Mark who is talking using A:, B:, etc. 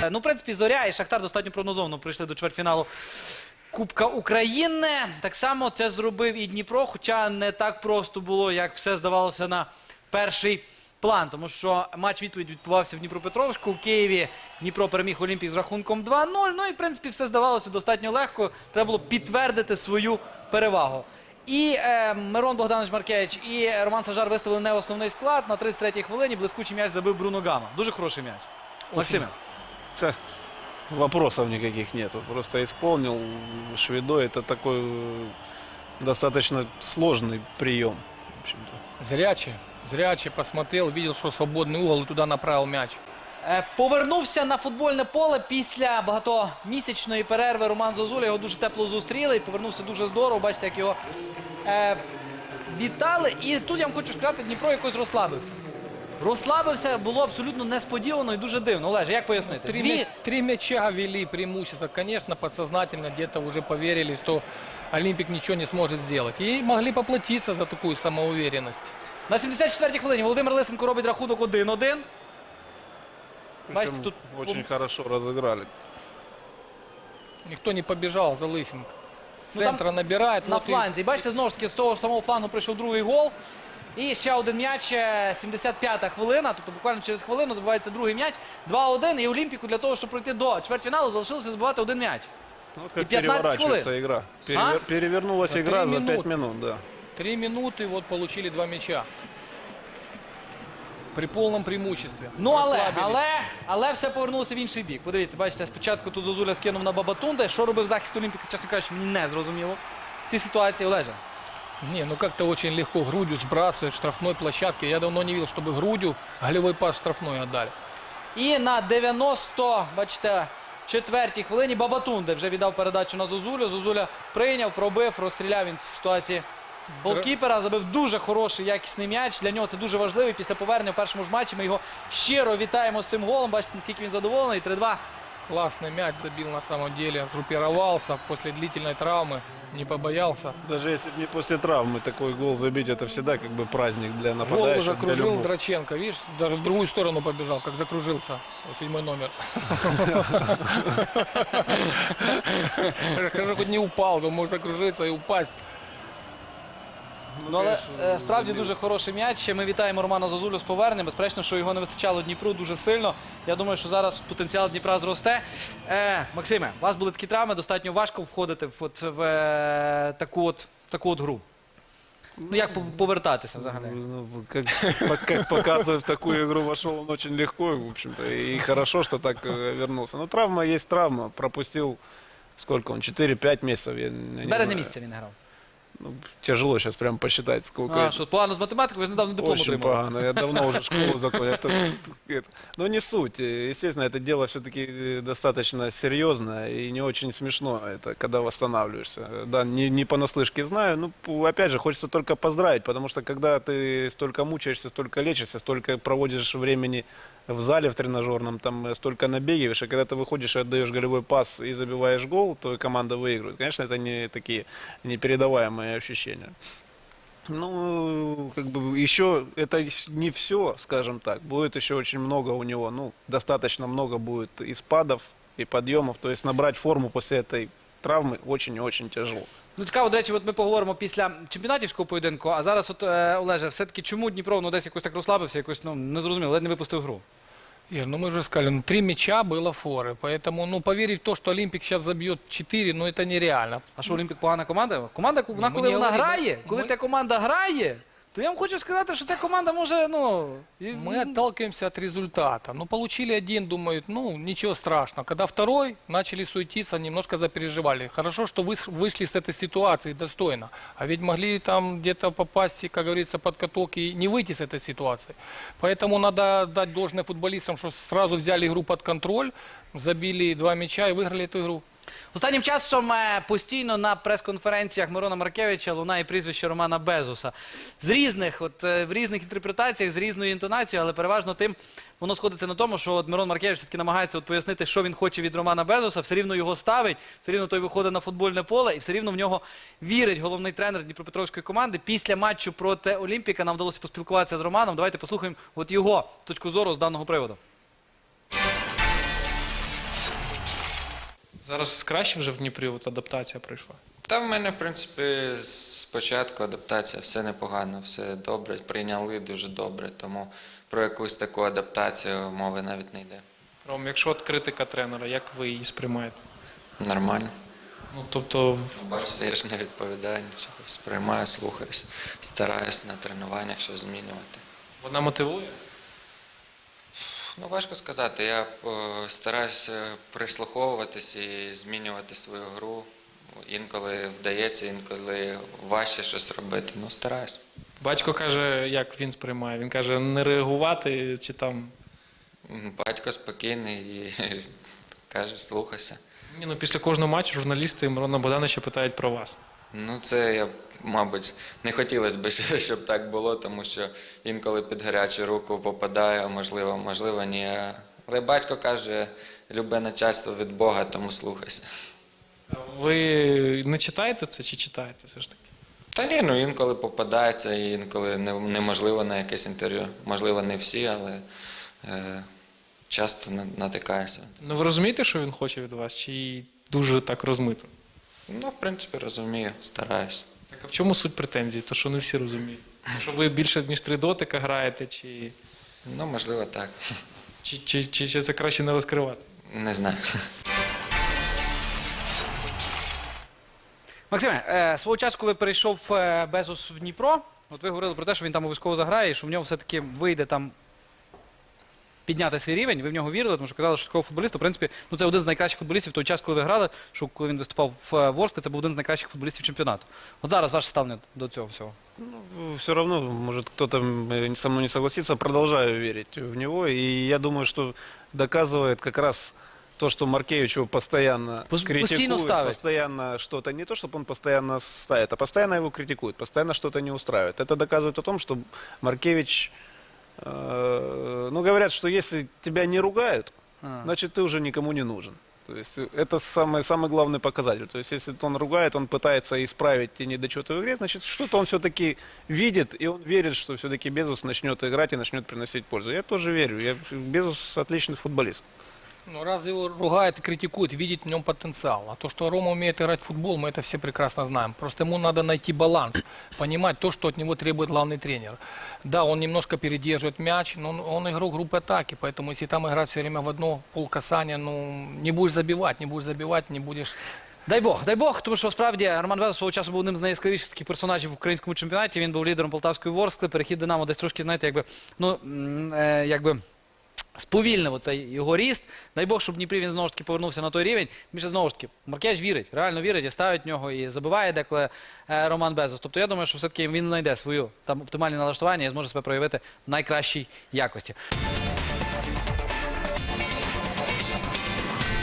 A: Ну, в принципі, Зоря і Шахтар достатньо прогнозовано прийшли до чвертьфіналу Кубка України. Так само це зробив і Дніпро, хоча не так просто було, як все здавалося на перший план. Тому що матч-відповідь відбувався в Дніпропетровську. У Києві Дніпро переміг Олімпік з рахунком 2-0. Ну і, в принципі, все здавалося достатньо легко. Треба було підтвердити свою перевагу. І Мирон Богданович Маркевич, і Роман Сажар виставили не основний склад. На 33-й хвилині блискучий м'яч забив Бруно Гама. Дуже хороший м'яч. Максиме.
B: Вопросов никаких нету. Просто исполнил Шведо. Это такой достаточно сложный прием. В общем-то.
C: Зрячий посмотрел, видел, что свободный угол и туда направил мяч.
A: Повернувся на футбольне поле після багатомісячної перерви Роман Зозуля. Його дуже тепло зустріли і повернувся дуже здорово. Бачите, як його вітали. І тут я вам хочу сказати, Дніпро якось розслабився. Розслабився, було абсолютно несподівано і дуже дивно. Олеже, як пояснити?
C: Три мяча вели преимущество. Конечно, подсознательно где-то уже поверили, что Олимпик ничего не сможет сделать. И могли поплатиться за такую самоуверенность.
A: На 74-й хвилині Володимир Лисенко робить рахунок 1-1.
B: Причем тут очень хорошо разыграли.
C: Никто не побежал за Лысенко. С
A: Ну,
C: центра набирает.
A: На
C: вот
A: фланзі. Бачите, знову ж таки, з того самого флангу прийшов другий гол. І ще один м'яч, 75-та хвилина, тобто буквально через хвилину забивається другий м'яч. 2-1, і Олімпіку для того, щоб пройти до чвертьфіналу, залишилося забивати один м'яч.
B: Ну, вот как
A: И 15
B: переворачивается игра. Перевернулась
C: За
B: игра
C: 3
B: за 5
C: минуты.
B: минут. Да.
C: 3 минуты, вот получили 2 мяча. При полном преимуществе.
A: Ну,
C: Расслабились.
A: але все повернулося в інший бік. Подивіться, бачите, спочатку тут Зозуля скинув на Бабатунде. Що робив захист Олімпіка, чесно кажучи, мені не зрозуміло. В цій ситуації, Олеже.
C: Не, ну как-то очень легко грудью сбрасывает в штрафной площадке. Я давно не видел, чтобы грудью голевой пас в штрафной отдали.
A: І на 94-й хвилині Бабатунде вже віддав передачу на Зозулю. Зозуля прийняв, пробив, розстріляв він в ситуації голкіпера. Забив дуже хороший, якісний м'яч. Для нього це дуже важливий. Після повернення в першому ж матчі ми його щиро вітаємо з цим голом. Бачите, наскільки він задоволений. 3-2.
C: Классный мяч забил на самом деле. Сгруппировался после длительной травмы. Не побоялся.
B: Даже если бы не после травмы такой гол забить, это всегда как бы праздник для
C: Гол
B: нападающих.
C: уже
B: для
C: кружил
B: любого.
C: Драченко. Видишь, даже в другую сторону побежал, как закружился. 7-й номер. Хорошо, хоть не упал, то мог закружиться и упасть.
A: Ну, але справді дуже хороший м'яч. Ми вітаємо Романа Зозулю з поверненням. Безперечно, що його не вистачало Дніпру дуже сильно. Я думаю, що зараз потенціал Дніпра зросте. Максиме, у вас були такі травми, достатньо важко входити в таку от гру. Ну, як повертатися взагалі?
B: Ну, как показывает, в такую игру вошел он очень легко, в общем-то. И хорошо, что так вернулся. Но травма есть травма. Пропустил, сколько он, 4-5 месяцев. Я не
A: З березня
B: знаю.
A: місяця він не грав.
B: Ну, тяжело сейчас прям посчитать, сколько.
A: Що погано з математикою, ви ж недавно диплом
B: Очень
A: отримали.
B: погано. Я давно уже школу закончил. Но не суть. Естественно, это дело все-таки достаточно серьезное и не очень смешно, это когда восстанавливаешься. Да, не понаслышке знаю. Ну, опять же, хочется только поздравить, потому что когда ты столько мучаешься, столько лечишься, столько проводишь времени в зале в тренажерном, там столько набегиваешь, и когда ты выходишь и отдаешь голевой пас и забиваешь гол, то команда выигрывает. Конечно, это не такие непередаваемые ощущения. Ну, как бы еще это не все, скажем так. Будет еще очень много у него, ну, достаточно много будет и спадов, и подъемов. То есть набрать форму после этой травмы очень и очень тяжело.
A: Ну, цікаво, до речі, от ми поговоримо після чемпіонатівського поєдинку, а зараз, от, Олеже, все-таки чому Дніпро, ну, десь якось так розслабився, якось, ну, не зрозуміло, ледь не випустив гру?
C: Ир, ну мы же сказали, 3 мяча было форы. Поэтому, ну, поверить в то, что Олимпик сейчас забьет 4, ну, это нереально.
A: А що, Олімпік погана команда? Команда, вона,
C: ми
A: коли
C: не
A: вона
C: говоримо.
A: грає, коли
C: Ми-
A: ця команда грає, то я вам хочу сказати, що ця команда може, ну...
C: Мы отталкиваемся от результата. Ну, получили один, думают, ну, ничего страшного. Когда второй, начали суетиться, немножко запереживали. Хорошо, что вышли с этой ситуации достойно. А ведь могли там где-то попасть, как говорится, под каток и не выйти с этой ситуации. Поэтому надо дать должное футболистам, что сразу взяли игру под контроль, забили 2 мяча и выиграли эту игру.
A: Останнім часом постійно на прес-конференціях Мирона Маркевича лунає прізвище Романа Безуса. З різних, в різних інтерпретаціях, з різною інтонацією, але переважно тим воно сходиться на тому, що Мирон Маркевич все-таки намагається пояснити, що він хоче від Романа Безуса, все рівно його ставить, все рівно той виходить на футбольне поле і все рівно в нього вірить головний тренер Дніпропетровської команди. Після матчу проти Олімпіка нам вдалося поспілкуватися з Романом. Давайте послухаємо от його точку зору з даного приводу.
D: Зараз краще вже в Дніпрі от адаптація прийшла.
E: Та в мене, в принципі, спочатку адаптація, все непогано, все добре, прийняли дуже добре, тому про якусь таку адаптацію мови навіть не йде.
D: Ром, якщо от критика тренера, як ви її сприймаєте?
E: Нормально.
D: Ну, тобто,
E: Бачите, я ж не відповідаю нічого, сприймаю, слухаюсь, стараюсь на тренуваннях щось змінювати.
D: вона мотивує?
E: Ну, важко сказати, я стараюся прислуховуватись і змінювати свою гру. Інколи вдається, інколи важче щось робити, ну стараюсь.
D: Батько каже, як він сприймає? Він каже, не реагувати чи там.
E: Батько спокійний і каже, слухайся.
D: Ні, ну після кожного матчу журналісти Мирона Богдановича питають про вас.
E: Ну, це, я, мабуть, не хотілося б, щоб так було, тому що інколи під гарячу руку попадаю, можливо, ні. Але батько каже, любе начальство від Бога, тому слухайся.
D: Ви не читаєте це чи читаєте все ж таки?
E: Та ні, ну інколи попадається, і інколи неможливо на якесь інтерв'ю. Можливо, не всі, але часто натикаюся.
D: Ну ви розумієте, що він хоче від вас, чи дуже так розмито?
E: Ну, в принципі, розумію, стараюсь.
D: Так а в чому суть претензій? То що не всі розуміють? Що ви більше ніж 3 дотика граєте,
E: Ну, можливо, так.
D: чи це краще не розкривати?
E: Не знаю.
A: Максиме, свого часу, коли перейшов Безос в Дніпро, от ви говорили про те, що він там обов'язково заграє, і що в нього все-таки вийде там підняти свій рівень. Ви в нього вірили, тому що казали, що такого футболіста, в принципі, ну це один з найкращих футболістів в той час, коли ви грали, що коли він виступав в Ворсклі, це був один з найкращих футболістів чемпіонату. От зараз ваше ставлення до цього всього.
B: Все равно, может, кто-то со мной не согласится, продолжаю верить в него. И я думаю, что доказывает как раз то, что Маркевич его постоянно
A: Постійно
B: критикует,
A: ставит.
B: постоянно что-то, не то, чтобы он постоянно ставит, а постоянно его критикует, постоянно что-то не устраивает. Это доказывает о том, что Маркевич, ну, говорят, что если тебя не ругают, значит, ты уже никому не нужен. То есть это самый главный показатель. То есть если он ругает, он пытается исправить те недочеты в игре, значит, что-то он все-таки видит, и он верит, что все-таки Безус начнет играть и начнет приносить пользу. Я тоже верю. Безус отличный футболист.
C: Ну, раз его ругают и критикуют, видит в нем потенциал. А то, что Рома умеет играть в футбол, мы это все прекрасно знаем. Просто ему надо найти баланс, понимать то, что от него требует главный тренер. Да, он немножко передерживает мяч, но он игрок группы атаки, поэтому если там играть все время в одно полкасания, ну, не будешь забивать, не будешь...
A: Дай Бог, тому що справді Роман Безос свого часу був одним з найяскравіших таких персонажів в українському чемпіонаті. Він був лідером Полтавської Ворскли, перехід Динамо десь трошки, знаєте, якби сповільнив оцей його ріст. Дай Бог, щоб в Дніпрі він знову ж таки повернувся на той рівень. Більше знову ж таки, Маркевич вірить, реально вірить і ставить в нього, і забиває деколи Роман Безос. Тобто я думаю, що все-таки він знайде свою там оптимальне налаштування і зможе себе проявити в найкращій якості.